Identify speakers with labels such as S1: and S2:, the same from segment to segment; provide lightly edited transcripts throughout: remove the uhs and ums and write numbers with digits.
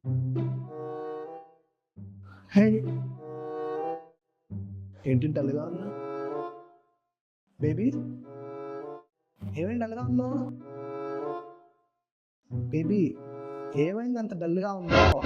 S1: హే ఏంటి డల్గా ఉన్నా బేబీ? ఏమైంది డల్గా ఉన్నావు బేబీ? ఏమైంది అంత డల్గా ఉన్నావు?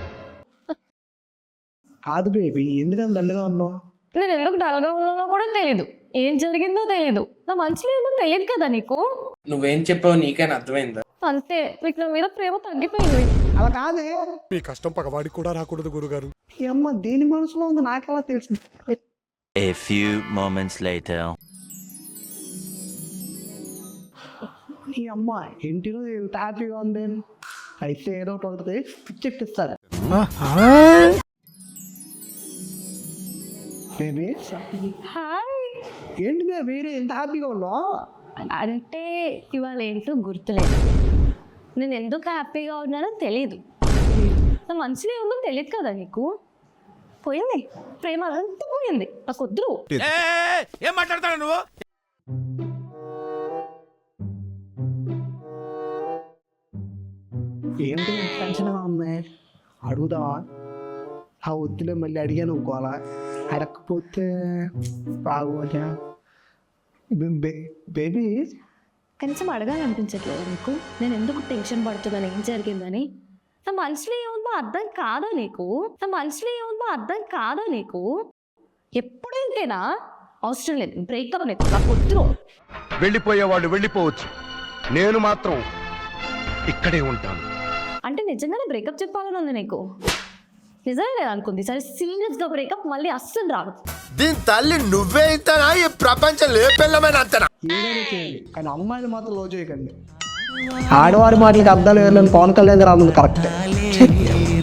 S1: కాదు బేబీ, ఎందుకంత డల్గా ఉన్నావు?
S2: నేను ఎందుకు డల్గా ఉన్నానో కూడా తెలియదు, ఏం జరిగిందో తెలియదు, నా మనసులో ఏదో తెలియదు కదా నీకు.
S3: నువ్వేం చెప్పావు నీకైనా అర్థమైందా?
S2: అంతే, మీకు నా మీద ప్రేమ తగ్గిపోయింది.
S1: అలా కాదే,
S4: మీ కష్టం పగవాడికి కూడా రాకూడదు గురుగారు.
S1: ఈ అమ్మ దేని మనసులో ఉంది నాకెలా తెలుసు?
S5: A few moments later.
S1: ఈ అమ్మ ఇంటిలో ఎంత హ్యాపీగా ఉంది, అయితే ఏదో ఒకటి ఉంటుంది పిచ్చెక్కిస్తారు. Baby
S2: hi.
S1: ఏంటి వేరే ఎంత హ్యాపీగా ఉన్నావు?
S2: అంటే ఇవాళ ఏంటో గుర్తులేదు, నేను ఎందుకు హ్యాపీగా ఉన్నానో తెలియదు, నా మనసులో ఏముందో తెలియదు కదా నీకు. పోయింది, ప్రేమ అంతా పోయింది, నాకు వద్దు.
S4: ఏం మాట్లాడతాడు నువ్వు?
S1: ఏంటి టెన్షన్గా ఉంది? అడుగుదావా? ఆ వద్దులే, మళ్ళీ అడిగాను అనుకోవాలా? అడగకపోతే బాగోదా? బేబీ
S2: కనీసం అడగాలనిపించట్లేదు నీకు, నేను ఎందుకు టెన్షన్ పడుతున్నాను, ఏం జరిగిందని. నా మనసులో ఏముందో అర్థం కాదా నీకు? నా మనసులో ఏముందో అర్థం కాదా నీకు? ఎప్పుడు ఇంతేనా? అవసరం లేదు, బ్రేకప్ లేదు, నాకు వద్దు.
S4: వెళ్ళిపోయేవాళ్ళు వెళ్ళిపోవచ్చు, నేను మాత్రం ఇక్కడే ఉంటాను.
S2: అంటే నిజంగానే బ్రేకప్ చెప్పాలని ఉంది నీకు? నిజంగా అనుకుంది, సరే సీరియస్గా బ్రేకప్ మళ్ళీ అస్సలు రాదు.
S6: దీని తల్లి నువ్వే ఇంతనా? ఈ ప్రపంచం లేపెళ్ళమైన అంతనా?
S1: ఏదైనా చేయండి, కానీ అమ్మాయిలు మాత్రం లో చేయకండి. ఆడవారి మాటలకి అర్థాలు వేయాలని పవన్ కళ్యాణ్ గారు అన్నది కరెక్ట్.